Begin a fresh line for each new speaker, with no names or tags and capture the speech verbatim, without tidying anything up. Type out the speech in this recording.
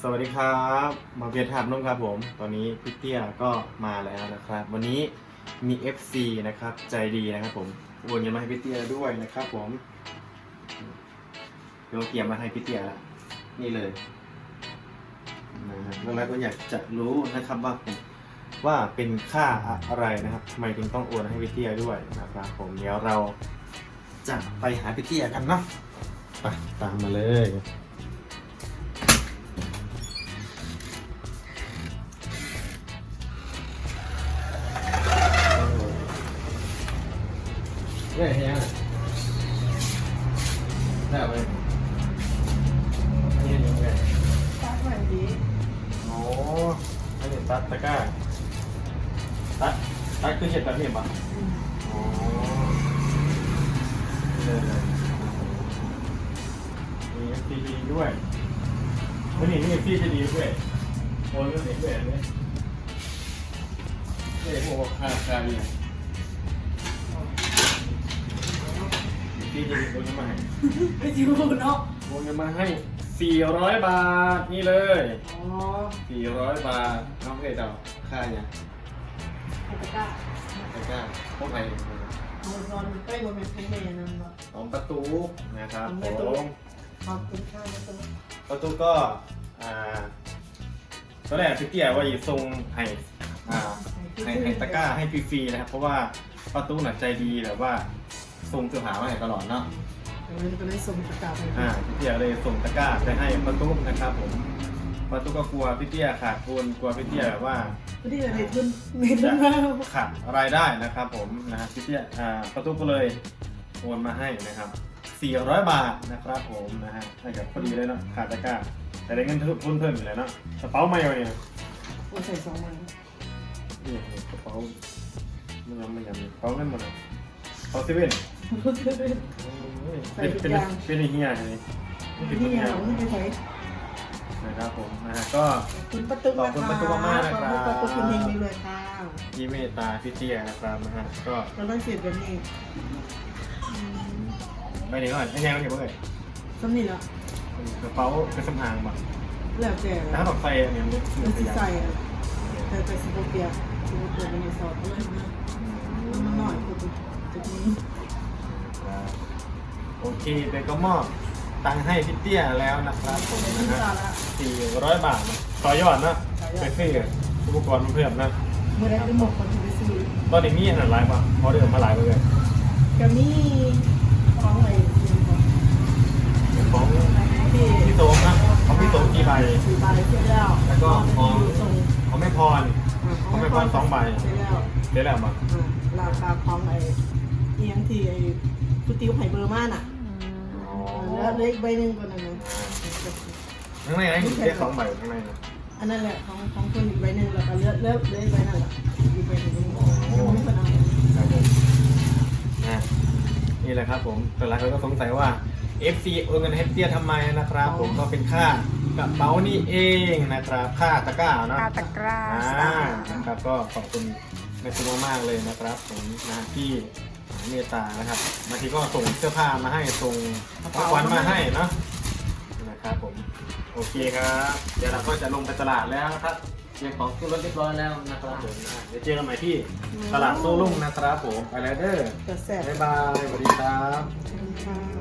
วัสดีครับมาเบียร์ถามนุ่มครับผมตอนนี้พี่เตี้ยก็มาแล้วนะครับวันนี้มี เอฟ ซี นะครับใจดีนะครับผมโอนเงินมาให้พี่เตี้ยด้วยนะครับผมเดี๋ยวเกียร์มาให้พี่เตี้ยละนี่เลยนะฮะแล้วเราก็อยากจะรู้นะครับว่าผมว่าเป็นค่าอะไรนะครับทำไมถึงต้องโอนให้พี่เตี้ยด้วยนะครับผมเดี๋ยวเราจะไปหาพี่เตี้ยกันเนาะไปตามมาเลยเฮ้ยยังได้ไหมนี่ยังไง
ตัดใหม่ดี
โอ้อันนี้ตัดตะกร้าตัดตัดคือเห็ดแบบนี้ป่ะโอ้เลยเลยมี เอฟ ซี ดีด้วยวันนี้มี เอฟ ซี จะดีด้วยโอ้ยก็เด็กแบบนี้เด็กพวกค่าคาดีนะที่จะโอนเงินมาให้
ไปจิวเนาะ
โอนเงินมาให้สี่ร้อยบาทนี่เลย
อ๋อ
สี่ร้อยบาทน้องเอ๋เดาค่าเนี่ย
ไอ้ตะกร้า
ตะกร้าพวกไหน
เอานอนใกล้บนเป็นแม่นั่นเนาะ
สองประตูนะครับผม
ขอบคุณค่ะนะตัว
ประตูก็อ่าตอนแรกพี่เตี้ยว่าจะส่งให้อ่าให้ให้ตะกร้าให้ฟรีๆนะครับเพราะว่าประตูหนักใจดีแบบว่าส่งเสื้อผ้ามาให้ตลอดเนาะ
เดี๋ยวเราจะได้ส่งตะกร้าไป
อ่าพี่เตี้ยเลยส่งตะกร้าไปให้ประตูนะครับผมประตูก็กลัวพี่เตี้ยขาดทุนกลัวพี่เตี้ยแบบว่า
ไม่ได้ในทุนในทุนมาก
ขาดรายได้นะครับผมนะฮะพี่เตี้ยอ่าประตูก็เลยโอนมาให้นะครับสี่ร้อยบาทนะครับผมนะฮะให้กับพอดีเลยเนาะขาดตะกร้าแต่ได้เงินทุนเพิ่มอยู่แล้วเนาะกระเป๋าไม่เอาเนี่ย
โอ้ใส่สองมัน
นี่กระเป๋าไม่ยอมไม่ยอมกระเป๋าเงินหมดเลยกระเป๋าเซเว่นเป็นเป็นเป็นเฮียเลยเป็น
นี่
เฮี
ไง
ย
เราไม่ไปใช้
นะครับผมนะฮะก็
คุณประตู
ขอบคุณประตูมากๆนะครับ
ขอบคุณคุณเฮงเลยค่ะ
ยี่เมตตาพี่เตี้ยนะครับนะฮะก็
เราต้องเสียแบบนี้
ไปไหนก่อนไอ้แนวเนี่ยเพื่อน
สำนีแล้ว
กระเป๋ากระสำอางมา
แล้วแต่
ถ้าดอกไฟเนี่ยมัน
มัน
จะ
สิ
ยา
ใส่อะแต่แต่สิบเปียสิบเปียเป็นในซอสเลยนะมันหน่อยคือจุดนี้
โอเคเดี๋ยวก็มอบตังค์ให้พี่เตี้ยแล้วนะครับผมนะฮะสี่ร้อยบาทนะต่อยอดนะไปซื้ออุปกรณ์เพิ่มนะ
เมื่อได้ไปหมกคนที่ไปซื้อ
ตอนนี้มีอันไหนไลฟ์ป่ะพอเดิมมาหลายเลย
ก็มีของอะไร
ของ
ที่
พี่โต๊ะนะของพี่โต๊ะกี่ใบ
สี่ใบเสร็จแล้ว
แล้วก็ของ
ส่ง
ของแม่พรของแม่พรสองใบ
เสร็จแล้ว
ได้แล้วมั้ง
ราคาของไอ้เอียงที่ไอ้กุติ๋วไห่เบอร์ม่านอ่ะแล้วเล็กใบหนึ่งก็นั่นนะ
ข้างในนะอยู่แค่สองใบข้างในนะ
อันนั้นแหละของของคนอีกใบหนึ่งแล้วก็เลือกเลือกเลือกใบนั่นแหละอีกใบหนึ่งยังไม่คนเอา
ครับผมนะนี่แหละครับผมแต่หลายคนก็สงสัยว่า เอฟ ซี โอนเงินให้เตี้ยทำไมนะครับผมก็เป็นค่ากระเป๋านี่เองนะครับค่าตะกร้าเนาะ
ค่าตะกร้า
อ่านะครับก็ขอบคุณในคุณมากๆเลยนะครับผมนะที่เมตตานะครับบางทีก็ส่งเสื้อผ้ามาให้ส่งของขวัญมาให้เนาะนะครับผมโอเคครับเดี๋ยวเราก็จะลงไปตลาดแล้วนะครับเตรียมของขึ้นรถเรียบร้อยแล้วนะครับผมอ่ะเดี๋ยวเจอกันใหม่ที่ตลาดโต้รุ่งนะครับผมไปแล้วเด้อ
จะแสบ
บ๊ายบายสวัสดีครับ
ค่ะ